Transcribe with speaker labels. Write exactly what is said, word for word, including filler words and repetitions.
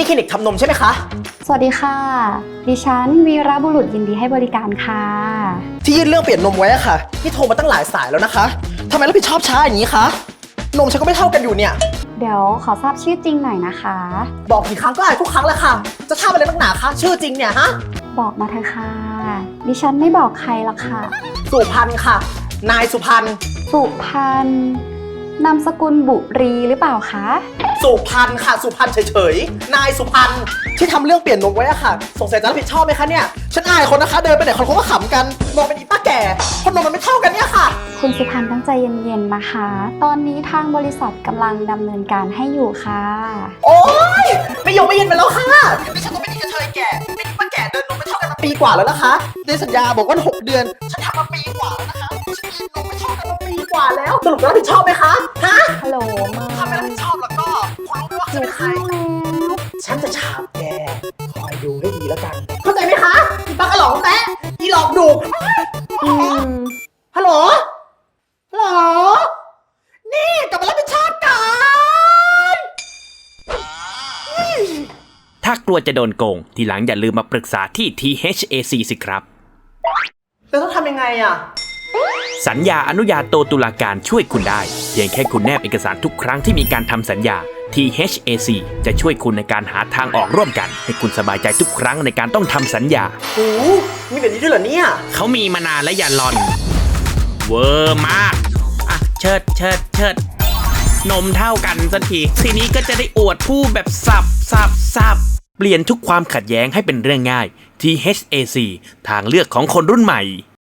Speaker 1: นี่คลินิกทำนมใช่ไหมคะ
Speaker 2: สวัสดีค่ะดิฉันวีระบุรุษยินดีให้บริการค่ะ
Speaker 1: ที่ยื่นเรื่องเปลี่ยนนมไว้อะค่ะนี่โทรมาตั้งหลายสายแล้วนะคะทำไมรับผิดชอบช้าอย่างนี้คะนมฉันก็ไม่เท่ากันอยู่เนี่ย
Speaker 2: เดี๋ยวขอทราบชื่อจริงหน่อยนะคะ
Speaker 1: บอกกี่ครั้งก็อายทุกครั้งแหละค่ะจะทราบอะไรนักหนาคะชื่อจริงเนี่ยฮะ
Speaker 2: บอกมาเถอะค่ะดิฉันไม่บอกใครหรอกค่ะ
Speaker 1: สุพรรณค่ะนายสุพรรณ
Speaker 2: สุพรรณนามสกุลบุรีหรือเปล่าคะ
Speaker 1: สุพรรณค่ะสุพรรณเฉยๆนายสุพรรณที่ทำเรื่องเปลี่ยนนมไว้อะค่ะสงสัยจะรับผิดชอบไหมคะเนี่ยฉันอายคนนะคะเดินไปไหนคนเขาก็ขำกันมองเป็นอีป้าแก่คนนมมันไม่เท่ากันเนี่ยค่ะ
Speaker 2: คุณสุพรรณตั้งใจเย็นๆนะคะตอนนี้ทางบริษัทกำลังดำเนินการให้อยู่ค่ะ
Speaker 1: โอ๊ยไม่ยอมไม่เย็นไปแล้วค่ะดิฉันก็ไม่ได้กระเทยแก่เป็นป้าแก่เดินนมไม่เท่ากันมาปีกว่าแล้วนะคะในสัญญาบอกว่าหกเดือนฉันทำมาปีกว่าแล้วนะคะฉันกินนมไม่เท่ากันมาปีกว่าแล้วสรุปจะรับผิดชอบไหมคะฮะ
Speaker 2: ฮัลโหลมา
Speaker 1: ถ้าไม่รับผิดชอบแล้วก็คุณรู้ไหมว่าฉันเป็นใครฉันจะฉาบแกคอยดูให้ดีแล้วกันเข้าใจไหมคะอีป้ากระหล่องแตะอีหลอกดู
Speaker 2: อืม
Speaker 1: ฮัลโหลฮัลโหลนี่กลับมารับผิดชอบกัน
Speaker 3: ถ้ากลัวจะโดนโกงทีหลังอย่าลืมมาปรึกษาที่ ที เอช เอ ซี สิครับ
Speaker 1: แล้วต้องทำยังไงอ่ะ
Speaker 3: สัญญาอนุญาโตตุลาการช่วยคุณได้เพียงแค่คุณแนบเอกสารทุกครั้งที่มีการทำสัญญา ที เอช เอ ซี จะช่วยคุณในการหาทางออกร่วมกันให้คุณสบายใจทุกครั้งในการต้องทำสัญญา
Speaker 1: โอ้มีแบบนี้ด้วยเหรอเนี่ย
Speaker 3: เขามีมานานและอย่าลอนเวอร์มากอ่ะเชิดเชิดเชิดนมเท่ากันสักทีทีนี้ก็จะได้อวดผู้แบบสับสับสับเปลี่ยนทุกความขัดแย้งให้เป็นเรื่องง่าย ที เอช เอ ซี ทางเลือกของคนรุ่นใหม่